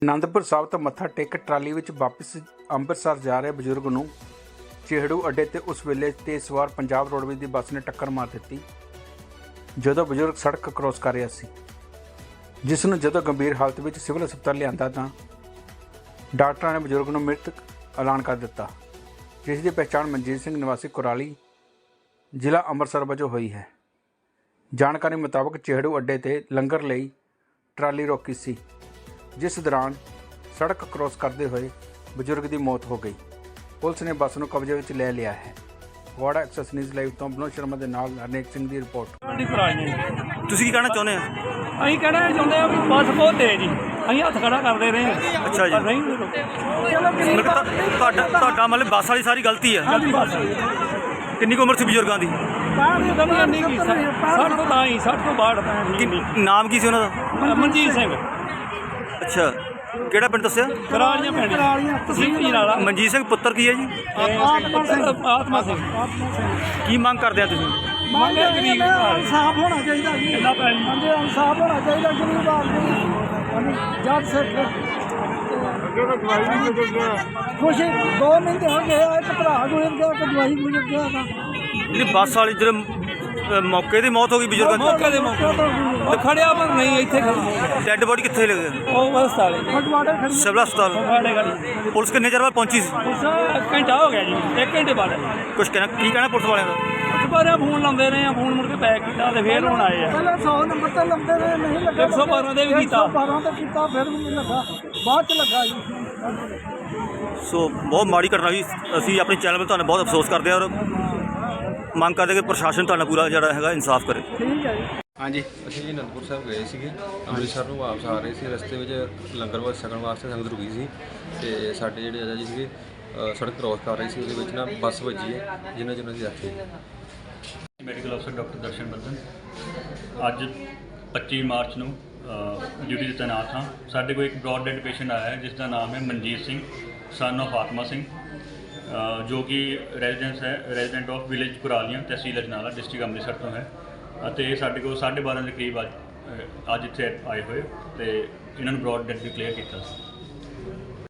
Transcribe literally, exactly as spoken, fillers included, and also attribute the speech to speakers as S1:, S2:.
S1: ਆਨੰਦਪੁਰ ਸਾਹਿਬ ਤੋਂ ਮੱਥਾ ਟੇਕ ਟਰਾਲੀ ਵਿੱਚ ਵਾਪਸ ਅੰਮ੍ਰਿਤਸਰ ਜਾ ਰਹੇ ਬਜ਼ੁਰਗ ਨੂੰ ਚਿਹੜੂ ਅੱਡੇ ਤੇ ਉਸ ਵੇਲੇ ਤੇਜ਼ ਸਵਾਰ ਪੰਜਾਬ ਰੋਡਵੇਜ਼ ਦੀ ਬੱਸ ਨੇ ਟੱਕਰ ਮਾਰ ਦਿੱਤੀ ਜਦੋਂ ਬਜ਼ੁਰਗ ਸੜਕ ਕ੍ਰੋਸ ਕਰ ਰਿਹਾ ਸੀ, ਜਿਸ ਨੂੰ ਜਦੋਂ ਗੰਭੀਰ ਹਾਲਤ ਵਿੱਚ ਸਿਵਲ ਹਸਪਤਾਲ ਲਿਆਂਦਾ ਤਾਂ ਡਾਕਟਰਾਂ ਨੇ ਬਜ਼ੁਰਗ ਨੂੰ ਮ੍ਰਿਤਕ ਐਲਾਨ ਕਰ ਦਿੱਤਾ, ਜਿਸ ਦੀ ਪਹਿਚਾਣ ਮਨਜੀਤ ਸਿੰਘ ਨਿਵਾਸੀ ਕੁਰਾਲੀ ਜ਼ਿਲ੍ਹਾ ਅੰਮ੍ਰਿਤਸਰ ਵਜੋਂ ਹੋਈ ਹੈ। ਜਾਣਕਾਰੀ ਮੁਤਾਬਕ ਚਿਹੜੂ ਅੱਡੇ ਤੇ ਲੰਗਰ ਲਈ ਟਰਾਲੀ ਰੋਕੀ ਸੀ, जिस दौरान सड़क क्रॉस करते हुए बजुर्ग की मौत हो गई। पुलिस ने बस को कब्जे में ले लिया है। वाड़ा एक्सप्रेस न्यूज़ लाइव तो विनोद शर्मा के नाल हरनेक सिंह की रिपोर्ट।
S2: ਤੁਸੀਂ ਕੀ ਕਹਿਣਾ ਚਾਹੁੰਦੇ ਆ?
S3: ਅਸੀਂ ਕਹਿਣਾ ਚਾਹੁੰਦੇ ਆ ਵੀ ਬੱਸ ਬਹੁਤ ਤੇਜ਼ ਜੀ, ਅਸੀਂ ਹੱਥ ਖੜਾ ਕਰਦੇ ਰਹੇ ਹਾਂ।
S2: ਅੱਛਾ ਜੀ,
S3: ਨਹੀਂ
S2: ਮਤਲਬ ਤੁਹਾ- ਤੁਹਾਡਾ ਤੁਹਾਡਾ ਮਤਲਬ ਬੱਸ ਵਾਲੀ ਸਾਰੀ ਗਲਤੀ ਹੈ।
S3: ਬੱਸ
S2: ਕਿੰਨੀ ਕੁ ਉਮਰ ਸੀ ਬਜ਼ੁਰਗਾਂ ਦੀ?
S3: ਬਾਹਰ ਨਹੀਂ ਕੀ ਸੱਠ ਤੋਂ ਤਾਂ ਹੀ ਸੱਠ ਤੋਂ ਬਾਹਠ ਪੈਂਹਠ
S2: ਕੀ
S3: ਨਹੀਂ।
S2: ਨਾਮ ਕੀ ਸੀ ਉਹਨਾਂ ਦਾ?
S3: ਮਨਜੀਤ ਸਿੰਘ
S2: ਅੱਛਾ, ਕਿਹੜਾ ਪਿੰਡ ਦੱਸਿਆ?
S3: ਕਰਾਲੀਆਂ ਪਿੰਡ ਤਹਿਸੀਲ ਪੀਰਾਲਾ।
S2: ਮਨਜੀਤ ਸਿੰਘ ਪੁੱਤਰ ਕੀ ਹੈ ਜੀ?
S3: ਆਤਮਾ ਸਿੰਘ ਆਤਮਾ ਸਿੰਘ
S2: ਕੀ ਮੰਗ ਕਰਦੇ ਆ ਤੁਸੀਂ?
S3: ਮੰਗੇ ਗਰੀਬ
S4: ਇਨਸਾਫ ਹੋਣਾ ਚਾਹੀਦਾ ਜੀ।
S3: ਕਿੰਨਾ ਪੈਣੀ
S4: ਹਾਂਜੀ ਇਨਸਾਫ ਹੋਣਾ ਚਾਹੀਦਾ ਗਰੀਬ ਆਦਮੀ ਜੱਜ ਸਿੱਖ ਖੁਸ਼ੀ ਦੋ ਮਹੀਨੇ ਹੋ ਗਏ ਆ, ਇੱਕ ਭਰਾ ਗੁਜ਼ਰ ਗਿਆ, ਇੱਕ ਦਵਾਈ ਗੁਜ਼ਰ ਗਿਆ ਤਾਂ
S2: ਜਿਹੜੀ ਬੱਸ ਵਾਲੀ ਜਿਹੜੇ ਅ, ਮੌਕੇ ਦੀ ਮੌਤ ਹੋ ਗਈ ਬਜ਼ੁਰਗਾਂ
S3: ਮੌਕੇ ਦੇ ਮੌਕੇ ਤੇ ਖੜਿਆ ਪਰ ਨਹੀਂ ਇੱਥੇ
S2: ਦੀ? ਡੈੱਡ ਬੋਡੀ ਕਿੱਥੇ ਲੱਗੇ?
S3: ਉਹ ਹਸਪਤਾਲ
S4: ਫਟਵਾੜੇ ਖੜੀ
S2: ਸਿਵਲ ਹਸਪਤਾਲ।
S3: ਖੜੇ ਖੜੀ
S2: ਪੁਲਿਸ ਕਿੰਨੇ ਚਿਰ ਬਾਅਦ ਪਹੁੰਚੀ ਸੀ?
S3: ਉਸ ਘੰਟਾ ਹੋ ਗਿਆ ਜੀ, ਇੱਕ ਘੰਟੇ ਬਾਅਦ
S2: ਕੁਛ ਕਹਿਣਾ ਕੀ ਕਹਿਣਾ ਪੁਲਿਸ ਵਾਲਿਆਂ ਦਾ?
S3: ਦੁਬਾਰਾ ਫੋਨ ਲਾਉਂਦੇ ਰਹੇ ਆ, ਫੋਨ ਮੁੜ ਕੇ ਪੈਕ ਕੀਤਾ ਤੇ ਫੇਰ ਹੁਣ ਆਏ ਆ।
S4: ਪਹਿਲਾਂ ਸੌ ਨੰਬਰ ਤੇ ਲੰਦੇ ਰਹੇ, ਨਹੀਂ ਲੱਗਾ।
S3: ਇੱਕ ਸੌ ਬਾਰਾਂ ਦੇ ਵੀ ਕੀਤਾ।
S4: ਇੱਕ ਸੌ ਬਾਰਾਂ ਤੇ ਕੀਤਾ, ਫਿਰ ਵੀ ਨਹੀਂ ਲੱਗਾ, ਬਾਅਦ ਚ ਲੱਗਾ ਜੀ।
S2: ਸੋ ਬਹੁਤ ਮਾੜੀ ਘਟਨਾ ਹੋਈ। ਅਸੀਂ ਆਪਣੇ ਚੈਨਲ 'ਤੇ ਤੁਹਾਨੂੰ ਬਹੁਤ ਅਫਸੋਸ ਕਰਦੇ ਹਾਂ ਔਰ ਮੰਗ ਕਰਦੇ ਕਿ ਪ੍ਰਸ਼ਾਸਨ ਤੁਹਾਡਾ ਪੂਰਾ ਜਿਹੜਾ ਹੈਗਾ ਇਨਸਾਫ ਕਰੇ।
S4: ਠੀਕ ਹੈ ਜੀ।
S1: ਹਾਂਜੀ,
S5: ਅਸੀਂ ਜੀ ਅਨੰਦਪੁਰ ਸਾਹਿਬ ਗਏ ਸੀਗੇ, ਅੰਮ੍ਰਿਤਸਰ ਨੂੰ ਵਾਪਸ ਆ ਰਹੇ ਸੀ। ਰਸਤੇ ਵਿੱਚ ਲੰਗਰ ਵਾਸਤੇ ਛਕਣ ਵਾਸਤੇ ਸੰਗਤ ਰੁਕੀ ਸੀ ਤੇ ਸਾਡੇ ਜਿਹੜੇ ਆਜਾ ਜੀ ਸੀਗੇ ਅ, ਸੜਕ ਕ੍ਰੋਸ ਕਰ ਰਹੇ ਸੀ, ਉਹਦੇ ਵਿੱਚ ਨਾ ਬੱਸ ਵੱਜੀ ਹੈ ਜਿਨ੍ਹਾਂ ਜਿਨ੍ਹਾਂ ਦੀ ਡੈਥ ਹੋਈ।
S6: ਮੈਡੀਕਲ ਅਫਸਰ ਡਾਕਟਰ ਦਰਸ਼ਨ ਬੰਦਨ ਅੱਜ ਪੱਚੀ ਮਾਰਚ ਨੂੰ ਡਿਊਟੀ 'ਤੇ ਤੈਨਾਤ ਹਾਂ। ਸਾਡੇ ਕੋਲ ਇੱਕ ਬ੍ਰੌਡ ਡੈਡ ਪੇਸ਼ੈਂਟ ਆਇਆ ਹੈ ਜਿਸ ਦਾ ਨਾਮ ਹੈ ਮਨਜੀਤ ਸਿੰਘ ਸਨ ਆਫ ਆਤਮਾ ਸਿੰਘ, ਅ, ਜੋ ਕਿ ਰੈਜ਼ੀਡੈਂਸ ਹੈ resident of village Kuralian tehsil Ajnala district Amritsar ਤੋਂ ਹੈ ਅਤੇ ਸਾਡੇ ਕੋਲ ਸਾਢੇ ਬਾਰਾਂ ਦੇ ਕਰੀਬ ਅੱਜ ਅ, ਅੱਜ ਇੱਥੇ ਆਏ ਹੋਏ ਤੇ ਇਹਨਾਂ ਨੂੰ ਬ੍ਰੌਡ ਡੈਡ ਡਿਕਲੇਅਰ ਕੀਤਾ ਸੀ।